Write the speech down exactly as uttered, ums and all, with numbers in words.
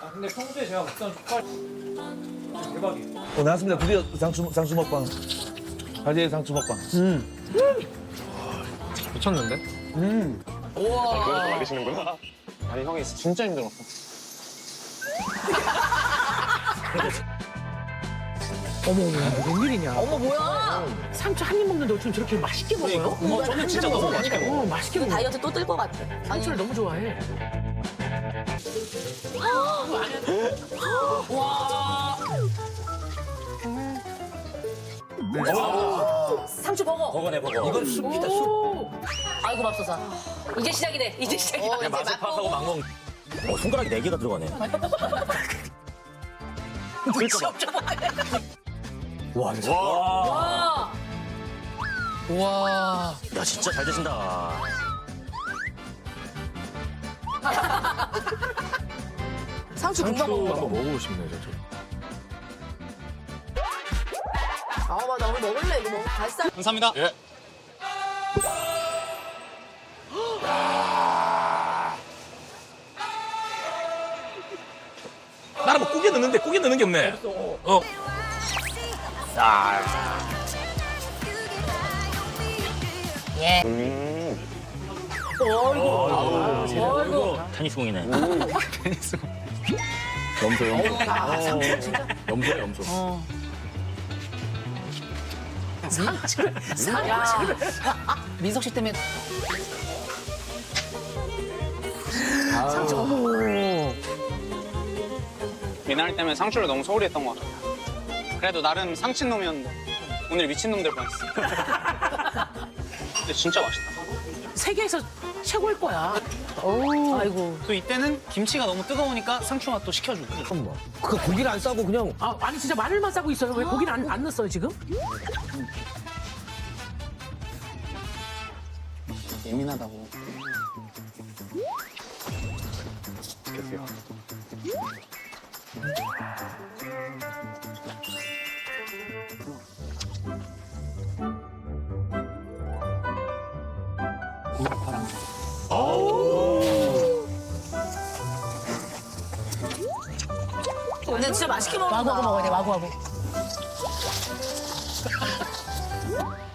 근데 평소에 제가 먹던 족발 대박이에요. 어, 나왔습니다. 드디어 상추, 상추 먹방. 가지의 상추 먹방. 미쳤는데? 음. 그래서 말리시는구나. 아니 형이 진짜 힘들었어. 어머, 어머, 웬일이냐. 어머 뭐야? 상추 한 입 먹는데 어쩜 저렇게 맛있게 먹어요? 어, 저는 진짜 너무 맛있게 어, 맛있게 먹어. 다이어트 또 뜰 것 같아. 상추를 너무 좋아해. 상추 버거. 버거네 버거. 이건 숲이다, 숲. 오, 아이고 맙소사. 이제 시작이네. 이제 시작이다. 그냥 맛을 파악하고 막 먹는. 어, 손가락이 네 개가 들어가네. 눈치 없죠? 와, 진짜. 와. 와. 야, 진짜 잘 드신다. 상추 금방 먹는 거. 먹어보고 싶네요, 저. 아 맞아 오늘 먹을래 이거 먹 발살. 감사합니다. 예. 나는 뭐 꾸겨 넣는데 꾸겨 넣는 게 없네. 어. 아. 예. 음. 어이구. 테니스공이네. 염소, 염소. 아 상추 진짜. 염소야, 염소. 상추를, 야. 상추를. 민석 씨 때문에. 상추, 어머. 미나리 때문에 상추를 너무 소홀히 했던 것 같아요. 그래도 나름 상친 놈이었는데 오늘 미친 놈 될 뻔했어. 근데 진짜 맛있다. 세계에서 최고일 거야. 아이고. 또 이때는 김치가 너무 뜨거우니까 상추 맛도 시켜주고. 그 고기를 안 싸고 그냥. 아, 아니 진짜 마늘만 싸고 있어요. 왜 고기를 안, 안 넣었어요 지금? 예민하다고. 계세요. 근데 진짜 맛있게 먹는다. 와구와구 먹어야 돼, 와구와구.